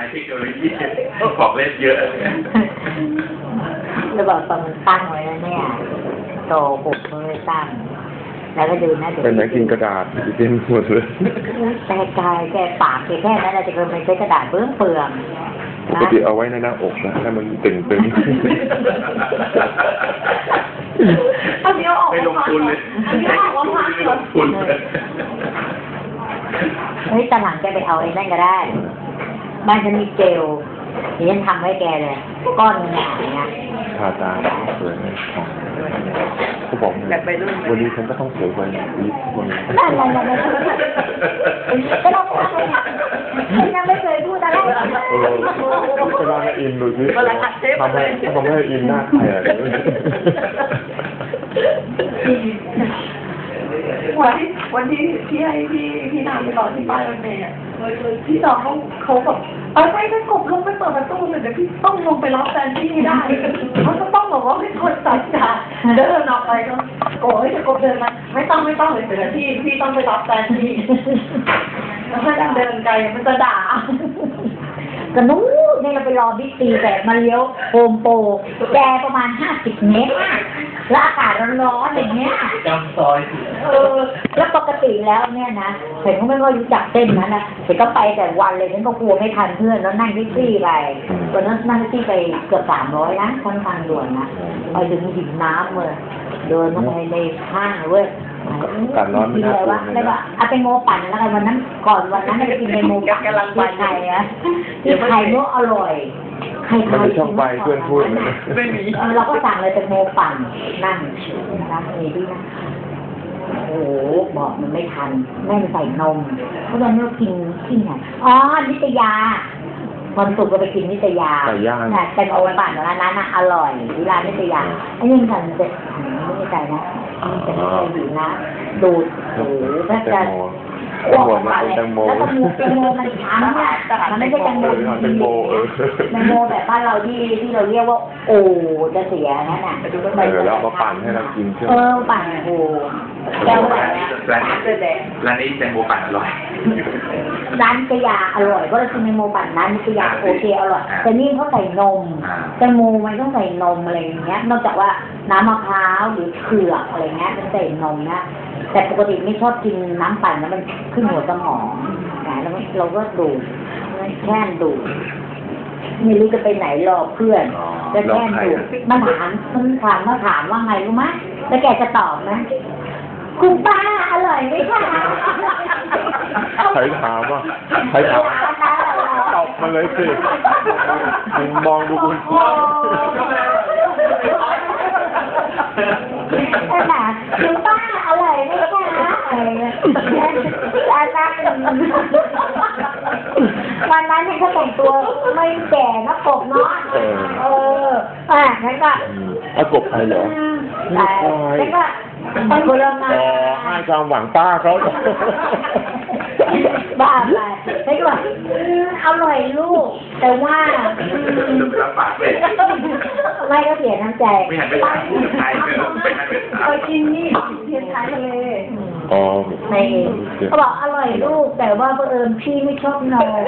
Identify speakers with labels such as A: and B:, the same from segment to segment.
A: เทคโนโลยีของเล่นเยอะ
B: จะบอกตอนมันตั้งไว้แล้วเนี่ยโตผมเลยตั้งแล้วก็ดูนะ
C: เป็นไหนกินกระดาษเต็มหมดเลย
B: แต่กายแกปากแค่นั้นจะเกินไปใช้กระดาษเปลือง
C: ปกติเอาไว้ในหน้าอกนะให้มันตึง
D: อันนี้ออก
A: ไม่ลงทุนเลยไม่ลงทุน
B: เฮ้ยตอนหลังแกไปเอาไอ้นั่นก็ได้บ้านฉันมีเจลนี่ฉันทำให้แกเลยก้อนเงี้ย
C: ทาตาสวยเขาบอกวันนี้ฉันก็ต้องสวยกว่านี้วันนี้
B: ก็ต้องทำเลยยังไม่เคยพูดอะไร
C: ก็ลองให้อินดูสิทำให้อินหน้าใคร
D: วันที่ให้พี่นามไปรอที่ป้ายรถเมล์พี่น้องเขาแบบไม่ถ้ากบลงไปเปิดประตูเลยเดี๋ยวพี่ต้องลงไปรับแฟนพี่ได้เขาจะต้องบอกว่าให้คนตัดจ่าเดินออกไปก็โอ้ยจะกบเดินมาไม่ต้องเลยเดี๋ยวพี่ต้องไปรับแฟนพี่แล้วถ้าเดินไกลมันจะด่า
B: ก็นู้นนี่เราไปรอบิ๊กซีแบบมาเลี้ยวโฮมโปรแกประมาณ50 เมตรแล้วอากาศร้อนๆอย่างเงี้ย
A: จำซอย
B: แล้วปกติแล้วเนี่ยนะเห็นเขาไม่ค่อยรู้จักเต้นนะเห็นก็ไปแต่วันเลยฉันก็กลัวไม่ทันเพื่อนแล้วนั่งแท็กซี่ไปวันนั้นนั่งแท็กซี่ไปเกือบ300นะค่อนข้างด่วนนะไปถึงหินน้ำเลยเดินลงไปในห้างเว้ย
C: การร้อนไม่น่ากลัว
B: เลยนะเอาไปโมปั่นแล้วกันวันนั้นก่อนวันนั้นไปกินไปโมปั่นที่ไทยนะที่ไทยโมอร่อยใคร
C: ช่องไปเพื่อนพูด
A: ไม่มี
B: เราก็สั่งเลยเป็นโมปั่นนั่งนะนี่ด้วยนะโอ้บอกมันไม่ทันแม่ใส่นมเพราะตอนนี้เรากินที่ไหนอ๋อนิตยาวันศุกร์ก็ไปกินนิตยาแต่โมปั่นร้านนั้นน่ะอร่อยที่ร้านนิตยาไอ้ยังกันเด็ดไม่ได้ใจนะแต่ไม่เคยอยู่นะดูดโอ้โหถ้าจะ
C: อ้วกมาเลยแล้ว
B: ก็แตงโมมันช้ำเนี่ยมันไม่ใช่แตงโมแบบบ้านเราที่เราเรียกว่าโอ้จะเสียนั่นน่ะ
C: แล้วมาปั่นให้เรากินใช่ไหม
B: ปั่นโอ้แก้วแบบ
A: ร้านนี้แตงโมปั่นอร่อย
B: ร้านนิตยาอร่อยเพราะเรากินแตงโมปั่นร้านนิตยาโอเคอร่อยแต่นี่เขาใส่นมแตงโมมันต้องใส่นมอะไรอย่างเงี้ยนอกจากว่าน้ำมะพร้าวหรือเผือกอะไรเงี้ยมันใส่นมนะแต่ปกติไม่ชอบกินน้ำปั่นแล้วมันขึ้นหัวสมองแล้วเราก็ดูดแค่ดูดไม่รู้จะไปไหนรอเพื่อนจะแค่ดูดมาถามว่าไงรู้ไหมแล้วแกจะตอบไหมคุณป้าอร่อยไหมคะ
C: ใครถามตอบมาเลยสิมองดูคุณ
B: คุณป้าอร่อยไหมคะวันนั้นให้เขาแต่งตัวไม่แก่นะกบเนาะงั้นก็
C: กบใครเหรอ
B: แล้วก็เป็นคนละงาน
C: ให้ความหวังป้าเขา
B: บ้าไปไม่ก็แบบอร่อยลูกแต่ว่าไม่ก็เสียน้ำใจ
A: ไม่หันไปทางผู้ชาย
D: ไปกินนี่เทียนท้ายทะเล
B: ไม่เขาบอกอร่อยลูกแต่ว่าพี่ไม่ชอบนอน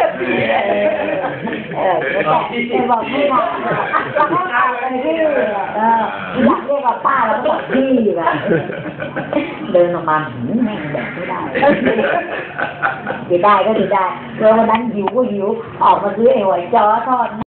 B: แต่บอกไม่ได้แล้วก็ตายไปที่อยากเรียกว่าป้าแล้วก็บอกพี่แบบเดินออกมาแม่งแบบไม่ได้ดีได้ก็ดีได้แล้ววันนั้นหิวออกมาซื้อไอ้หอยจ้อทอด